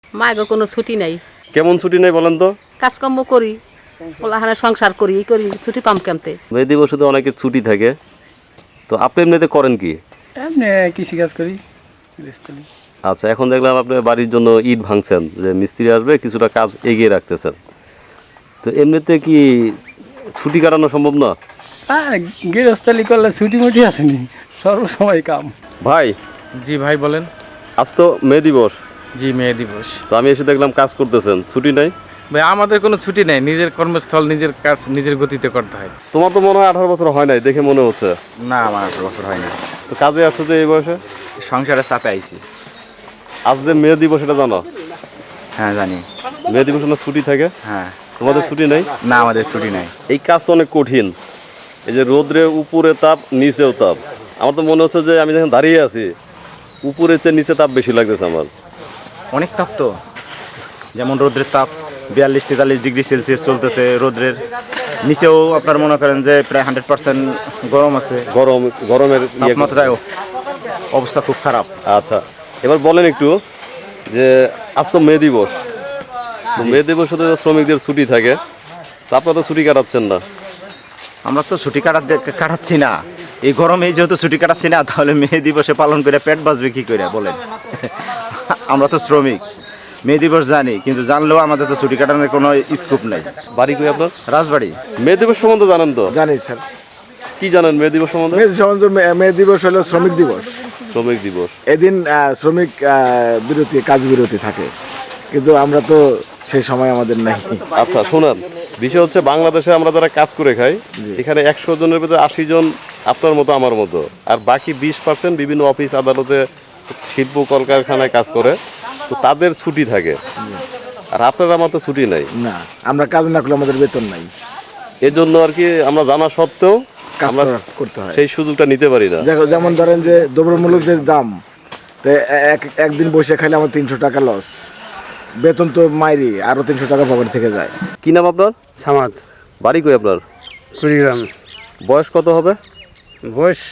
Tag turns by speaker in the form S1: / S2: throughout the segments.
S1: মায়ের কোনো ছুটি নাই।
S2: কেমন ছুটি নেই বলেন তো?
S1: কাজকর্ম করি, পোলাহানা সংসার করি, এই করি, ছুটি পাম কেমতে?
S2: মে দিবসে তো অনেকের ছুটি থাকে, তো আপনি এমনিতে করেন কি?
S3: এমনি কৃষিকাজ করি।
S2: আচ্ছা, এখন দেখলাম আপনি বাড়ির জন্য ইট ভাঙছেন, যে মিস্ত্রি আসবে, কিছুটা কাজ এগিয়ে রাখতেছেন। তো এমনিতে কি ছুটি কাটানো সম্ভব না?
S3: গৃহস্থালি করলে ছুটি মুটি আসেনি, সর্বসময় কাম।
S2: ভাই,
S4: জি ভাই বলেন।
S2: আজ তো মে দিবস,
S4: জি মে দিবস।
S2: তো আমি এসে দেখলাম কাজ করতেছেন, ছুটি নাই?
S4: ভাই আমাদের কোনো ছুটি নেই, নিজের কর্মস্থল নিজের কাজ নিজের গতিতে করতে হয়।
S2: তোমার তো মনে হয় 18 বছর হয় নাই দেখে মনে হচ্ছে।
S5: না আমার 18 বছর হয় না,
S2: তো কাজে আসছো যে এই বয়সে?
S5: সংসারে চাপে আইছি।
S2: আজ যে মে দিবস এটা জানো?
S5: হ্যাঁ জানি।
S2: মে দিবস না ছুটি থাকে,
S5: হ্যাঁ।
S2: তোমাদের ছুটি নাই?
S5: না আমাদের ছুটি নাই।
S2: এই কাজ তো অনেক কঠিন, এই যে রোদ্রে উপরে তাপ নিচেও তাপ। আমার তো মনে হচ্ছে যে আমি যখন দাঁড়িয়ে আছি উপরের চেয়ে নিচে তাপ বেশি লাগতেছে আমার।
S5: অনেক তাপ তো, যেমন রোদ্রের তাপ 42-43 ডিগ্রি সেলসিয়াস চলতেছে। রোদ্রের নিচেও আপনার মনে করেন যে প্রায় 100% গরম আছে।
S2: গরমের
S5: তাপমাত্রায় অবস্থা খুব খারাপ।
S2: আচ্ছা, এবার বলেন একটু যে আজ তো মে দিবস, তো মে দিবসে তো শ্রমিকদের ছুটি থাকে, তো আপনারা তো ছুটি কাটাচ্ছেন না।
S5: আমরা তো ছুটি কাটাচ্ছি না, এই গরমে যেহেতু ছুটি কাটাচ্ছি না, তাহলে মে দিবসে পালন করে পেট বাঁচবে কি করে বলেন? আমরা তো শ্রমিক, মে দিবস জানি, কিন্তু জানলেও আমাদের তো ছুটি কাটানোর কোনো স্কোপ নাই।
S2: বাড়ি কই আপনার?
S5: রাজবাড়ি।
S2: মে দিবস সম্বন্ধে জানেন তো?
S6: জানি স্যার।
S2: কি জানেন মে দিবস সম্বন্ধে?
S6: মে দিবস হলো শ্রমিক দিবস।
S2: শ্রমিক দিবস,
S6: এদিন শ্রমিক বিরতি, কাজ বিরতি থাকে, কিন্তু আমরা তো সেই সময় আমাদের নাই।
S2: আচ্ছা শোনেন, বিষয় হচ্ছে বাংলাদেশে আমরা যারা কাজ করে খাই, এখানে 100 জনের ভিতরে 80 জন আপনার মতো আমার মতো, আর বাকি 20% বিভিন্ন অফিস আদালতে শিল্প কলকারখানায় কাজ করে, তো তাদের ছুটি থাকে, আর আপনার আমার তো ছুটি নাই।
S6: না, আমরা কাজ না করলে আমাদের বেতন নাই,
S2: এজন্য আর কি আমরা জানা সত্ত্বেও
S6: কাজ
S2: আমরা
S6: করতে হয়।
S2: সেই সুযোগটা নিতে পারি না।
S6: যেমন ধরেন যে দ্রব্যমূল্যের যে দাম, তো একদিন বসে খাইলে আমার 300 টাকা লস, বেতন তো মাইরি আরো 300 টাকা পকেট থেকে যায়।
S2: কি নাম আপনার?
S3: সামাদ,
S2: বাড়ি কই আপনার?
S3: কুড়িগ্রাম।
S2: বয়স কত হবে?
S3: বয়স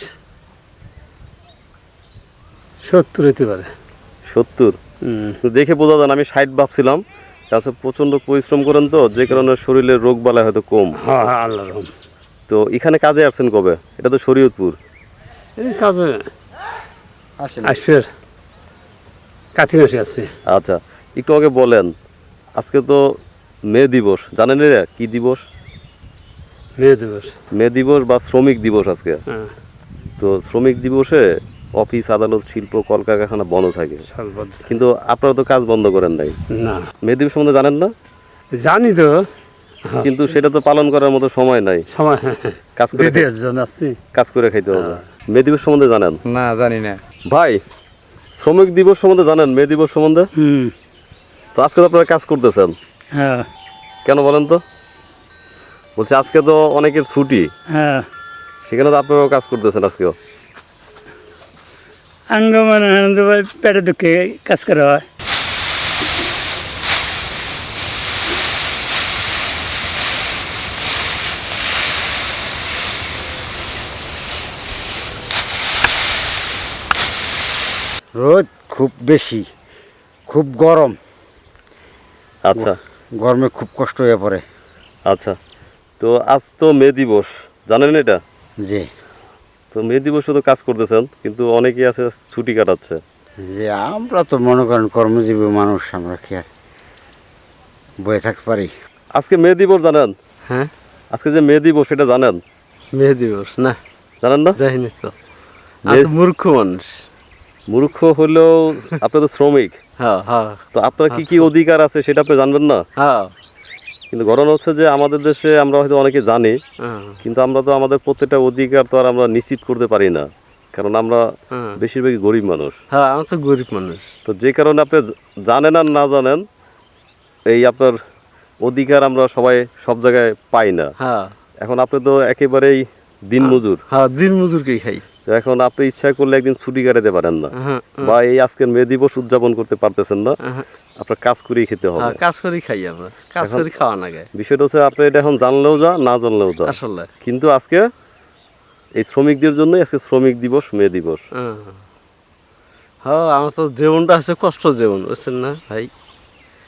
S3: 70 হতে পারে।
S2: 70? দেখে বোঝা যায় না, আমি 60 ভাবছিলাম। তাছাড়া প্রচন্ড পরিশ্রম করেন তো, যে কারণে শরীরের রোগ বালাই হয়তো কম।
S3: হ্যাঁ হ্যাঁ, আল্লাহ রহম।
S2: তো এখানে কাজে আসছেন কবে? এটা তো শরীয়তপুর।
S3: এই কাজে আসফের কাতি মাসে আছে।
S2: আচ্ছা, একটু আগে বলেন, আজকে তো মে দিবস, জানেন এরা কি দিবস?
S3: মে দিবস।
S2: মে দিবস বা শ্রমিক দিবস আজকে।
S3: হ্যাঁ,
S2: তো শ্রমিক দিবসে অফিস আদালত শিল্প কলকারখানা বন্ধ থাকে,
S3: সর্বদ।
S2: কিন্তু আপনারা তো কাজ বন্ধ করেন নাই।
S3: না
S2: মে দিবস সম্বন্ধে জানেন না?
S3: জানি তো,
S2: কিন্তু সেটা তো পালন করার মতো সময় নাই,
S3: সময়
S2: কাজ করে
S3: দিতে জন আসছি।
S2: কাজ করে খাইতে হবে। মে দিবস সম্বন্ধে জানেন?
S5: না জানি না
S2: ভাই, শ্রমিক দিবস সম্বন্ধে জানেন? মে দিবস সম্বন্ধে? তো আজকে তো আপনারা কাজ করতেছেন,
S3: হ্যাঁ
S2: কেন বলেন তো? বলছি আজকে তো অনেকের ছুটি,
S3: হ্যাঁ,
S2: সেখানে তো আপনারাও কাজ করতেছেন আজকেও।
S3: আঙ্গমান পেটে দুঃখে কাজ করা হয়।
S7: রোদ খুব বেশি, খুব গরম,
S2: আচ্ছা
S7: গরমে খুব কষ্ট হয়ে পড়ে।
S2: আচ্ছা, তো আজ তো মে দিবস, জানেন এটা?
S7: যে
S2: তো মে দিবসে তো কাজ করতেছেন, কিন্তু অনেকেই আছে ছুটি কাটাচ্ছে।
S7: যে আমরা তো মনে করেন কর্মজীবী মানুষ, আমরা কি আর বয়ে থাকতে পারি?
S2: আজকে মে দিবস জানেন?
S3: হ্যাঁ,
S2: আজকে যে মে দিবস সেটা জানেন?
S3: মে দিবস না,
S2: জানেন না?
S3: যাইনি তো, আমি তো মূর্খ মানুষ।
S2: মূর্খ হলেও আপনি তো শ্রমিক,
S3: হ্যাঁ হ্যাঁ
S2: তো আপনার কি কি অধিকার আছে সেটা আপনি জানবেন না?
S3: হ্যাঁ
S2: কিন্তু ঘটনা হচ্ছে যে আমাদের দেশে আমরা হয়তো অনেকে জানি, কিন্তু আমরা তো আমাদের প্রত্যেকটা অধিকার তো আর আমরা নিশ্চিত করতে পারি না, কারণ আমরা বেশিরভাগই গরিব মানুষ।
S3: হ্যাঁ, আমি তো গরিব মানুষ।
S2: তো যে কারণে আপনি জানেন আর না জানেন, এই আপনার অধিকার আমরা সবাই সব জায়গায় পাই না।
S3: হ্যাঁ
S2: এখন আপনি তো একেবারেই দিন মজুর,
S3: হ্যাঁ, দিন মজুরকেই খাই।
S2: তো এখন আপনি ইচ্ছা করলে একদিন ছুটি কাটাতে পারেন না, বা এই আজকের মে দিবস উদযাপন করতে পারতেছেন না, আপনার কাজ করেই খেতে হবে।
S3: কাজ করেই খাই আমরা, কাজ করে খাওয়া না গায়ে।
S2: বিষয়টা হচ্ছে আপনি এটা এখন জানলেও যা, না জানলেও যা,
S3: আসলে
S2: কিন্তু আজকে এই শ্রমিকদের জন্য আজকে শ্রমিক দিবস, মে দিবস।
S3: হ্যাঁ, আমার তো জীবনটা আছে কষ্ট জীবন, বুঝছেন না ভাই?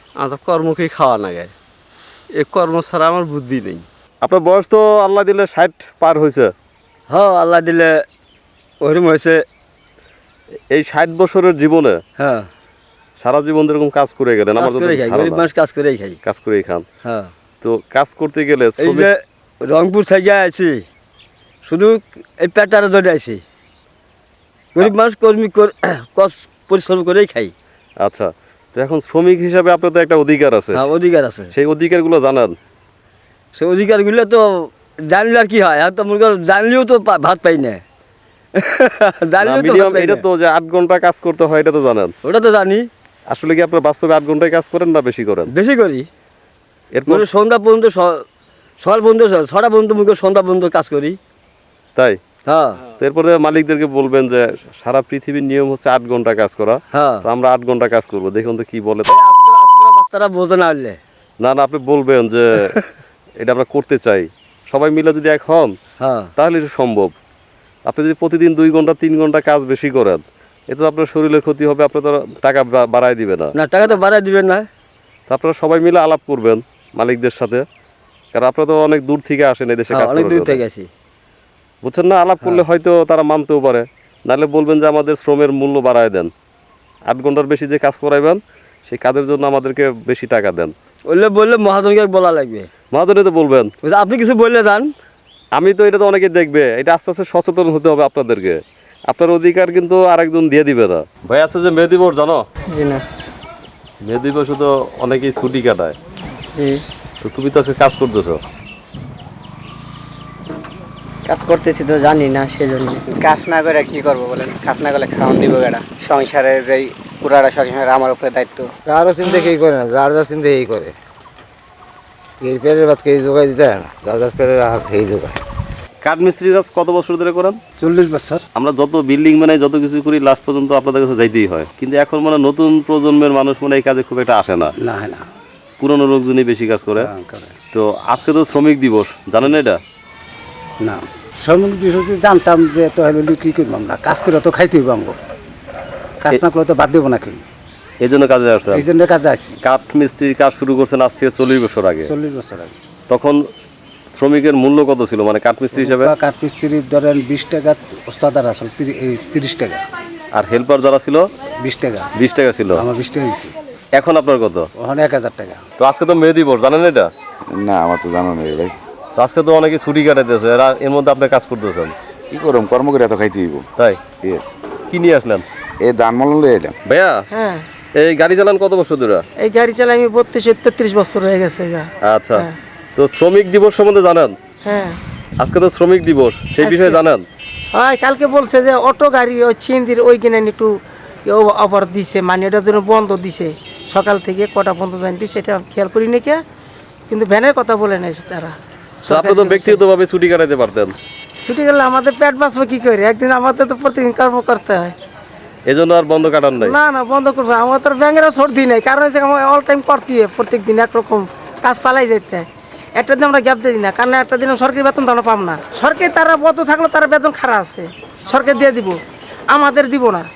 S8: আমার কর্মকেই খাওয়া লাগে, এই কর্ম ছাড়া আমার বুদ্ধি নেই।
S2: আপনার বয়স তো আল্লাহ দিলে 60 পার হয়েছে।
S8: হ্যাঁ, আল্লাহ দিলে ওরম হয়েছে।
S2: এই 60 বছরের জীবনে
S8: হ্যাঁ,
S2: সারা জীবন এরকম কাজ করে গেলেন, আমার
S8: কাজ করে খাই, গরিব মানুষ কাজ করেই খাই।
S2: কাজ করেই খান।
S8: হ্যাঁ,
S2: তো কাজ করতে গেলে
S8: এই যে রংপুর থেকে আছি, শুধু এই পেটার জন্য আছি। গরিব মানুষ পরিশ্রম করেই খাই।
S2: আচ্ছা, তো এখন শ্রমিক হিসাবে আপনার তো একটা অধিকার আছে,
S8: হ্যাঁ, অধিকার আছে।
S2: সেই অধিকারগুলো জানান।
S8: সে অধিকারগুলো তো জানলে আর কি হয়, আর তো মনে করো জানলেও তো ভাত পাই না। জানলেও তো ভাত পাই
S2: এটা
S8: না।
S2: তো যে 8 ঘন্টা কাজ করতে হয় এটা তো জানেন।
S8: ওটা তো জানি।
S2: আসলে কি আপনার বাস্তবে 8 ঘন্টায় কাজ করেন না বেশি করেন?
S8: বেশি করি।
S2: এরপর
S8: মানে সন্ধ্যা পর্যন্ত, সকাল পর্যন্ত, 6টা পর্যন্ত মুখে সন্ধ্যা পর্যন্ত কাজ করি।
S2: তাই?
S8: হ্যাঁ,
S2: তো এরপরে মালিকদেরকে বলবেন যে সারা পৃথিবীর নিয়ম হচ্ছে 8 ঘন্টা কাজ করা,
S8: হ্যাঁ।
S2: তো আমরা 8 ঘন্টা কাজ করবো, দেখুন তো কি বলে।
S8: বাচ্চারা বোঝে না হলে।
S2: না না, আপনি বলবেন যে এটা আমরা করতে চাই, সবাই মিলে যদি এক হন
S8: হ্যাঁ,
S2: তাহলে এটা সম্ভব। আপনি যদি প্রতিদিন 2 ঘন্টা 3 ঘন্টা কাজ বেশি করেন, এতে তো আপনার শরীরের ক্ষতি হবে, আপনার তো টাকা বাড়ায় দিবে না।
S8: না, টাকা তো বাড়াই দিবেন না।
S2: তো আপনারা সবাই মিলে আলাপ করবেন মালিকদের সাথে, কারণ আপনারা তো অনেক দূর থেকে আসেন এই দেশে
S8: হ্যাঁ,
S2: কাজ
S8: অনেক
S2: করার
S8: দূর
S2: জন্য।
S8: থেকে আছি।
S2: বুঝছেন না, আলাপ করলে হয়তো তারা মানতেও পারে, নাহলে বলবেন যে আমাদের শ্রমের মূল্য বাড়ায় দেন, 8 ঘন্টার বেশি যে কাজ করাইবেন সেই কাজের জন্য আমাদেরকে বেশি টাকা দেন।
S8: বললে মহাজনকে বলা লাগবে।
S2: মহাজনে তো বলবেন।
S8: আপনি কিছু বললে যান।
S2: আমি তো এটা তো অনেকে দেখবে, এটা আস্তে আস্তে সচেতন হতে হবে আপনাদেরকে। আপনার অধিকার কিন্তু আরেকজন দিয়ে দিবে না। ভাই আছে যে মে দিবস জানো?
S1: জি না।
S2: মে দিবসে তো অনেকেই ছুটি কাটায়,
S1: জি।
S2: তো তুমি তো আজকে কাজ করতেছো।
S1: কাজ করতেছি তো জানি না, সেজন্য।
S9: কাজ না করে কি করবো বলেন? কাজ না করলে খাওয়ান দিব কেডা? সংসারের যেই পুরাটা সংসারের আমার উপরে দায়িত্ব।
S7: কারো চিন্তা কেই করে না, যার যার চিন্তা এই করে। এই পেটের ভাত কেই জোগাই দিতে হয় না, যার যার পেটের হাত খেয়ে জোগায়।
S2: কাঠমিস্ত্রি কাজ কত বছর ধরে করেন?
S3: 40 বছর।
S2: আমরা যত বিল্ডিং বানাই, যত কিছু করি, লাস্ট পর্যন্ত আপনাদের কাছে যাইতেই হয়। কিন্তু এখন মানে নতুন প্রজন্মের মানুষ মানে এই কাজে খুব একটা আসে না,
S3: না না,
S2: পুরনো লোকজনই বেশি কাজ করে।
S3: করে
S2: তো আজকে তো শ্রমিক দিবস, জানেন এটা?
S3: না। শ্রমিক বিষয়টি জানতাম যে তো হলে কি করবাম না, কাজ করে তো খাইতে হইব আমগো, কাজ না করে তো বাদ দেবো না কেউ।
S2: এই জন্য কাজে আসছেন?
S3: এই জন্য কাজে আসছি।
S2: কাঠমিস্ত্রির কাজ শুরু করছেন আজ থেকে 40 বছর আগে।
S3: 40 বছর আগে।
S2: তখন শ্রমিকের মূল্য কত ছিল মানে কাঠমিস্ত্রি হিসাবে?
S3: কাঠমিস্ত্রির ধরেন 20 টাকা, ওস্তাদার আসলে 30 টাকা,
S2: আর হেল্পার যারা ছিল
S3: 20 টাকা।
S2: 20 টাকা ছিল।
S3: আমার 20 টাকা দিচ্ছি।
S2: এখন আপনার কত?
S3: ওখানে 1000 টাকা।
S2: তো আজকে তো মে দিবস, জানেন এটা?
S5: না, আমার তো জানো নেই ভাই।
S2: তো আজকে তো অনেকে ছুটি কাটাইতেছে, এর মধ্যে আপনি কাজ করতেছেন,
S5: কি করম, কর্ম করে এত খাইতে হইব।
S2: তাই?
S5: ইয়েস।
S2: কি নিয়ে আসলেন?
S5: এই ধান মলন লই এলাম।
S2: ভাইয়া
S1: হ্যাঁ,
S2: এই গাড়ি চালান কত বছর ধরে?
S1: এই গাড়ি চালাই আমি 32-33 বছর হয়ে গেছে।
S2: আচ্ছা, তো শ্রমিক দিবস সম্বন্ধে জানেন?
S1: হ্যাঁ।
S2: আজকে তো শ্রমিক দিবস, সেই বিষয়ে জানেন?
S1: হয়, কালকে বলছে যে অটো গাড়ি ওই ছিন্দির ওই কিনে একটু অফার দিছে, মানে এটার জন্য বন্ধ দিছে, সকাল থেকে কটা বন্ধ জানি, সেটা খেয়াল করি নাকি, কিন্তু ভ্যানের কথা বলে নাই তারা।
S2: তো আপনি তো ব্যক্তিগতভাবে ছুটি কাটাইতে পারতেন।
S1: ছুটি গেলে আমাদের পেট বাঁচবে কি করে? একদিন আমাদের তো প্রতিদিন কর্ম করতে হয়।
S2: এজন্য আর বন্ধ কাটান নাই?
S1: না না, বন্ধ করবো, আমার তো ব্যাংকেরও সর্দি নেই, কারণ হচ্ছে আমার অল টাইম করতে হয়, প্রত্যেক দিন একরকম কাজ চালাই যেতে হয়। একটা দিন আমরা গ্যাপ দিই না, কারণ একটা দিন সরকারি বেতন তো আমরা পাব না। সরকারি তারা বন্ধ থাকলে তারা বেতন খারাপ আছে, সরকার দিয়ে দিব, আমাদের দিব না।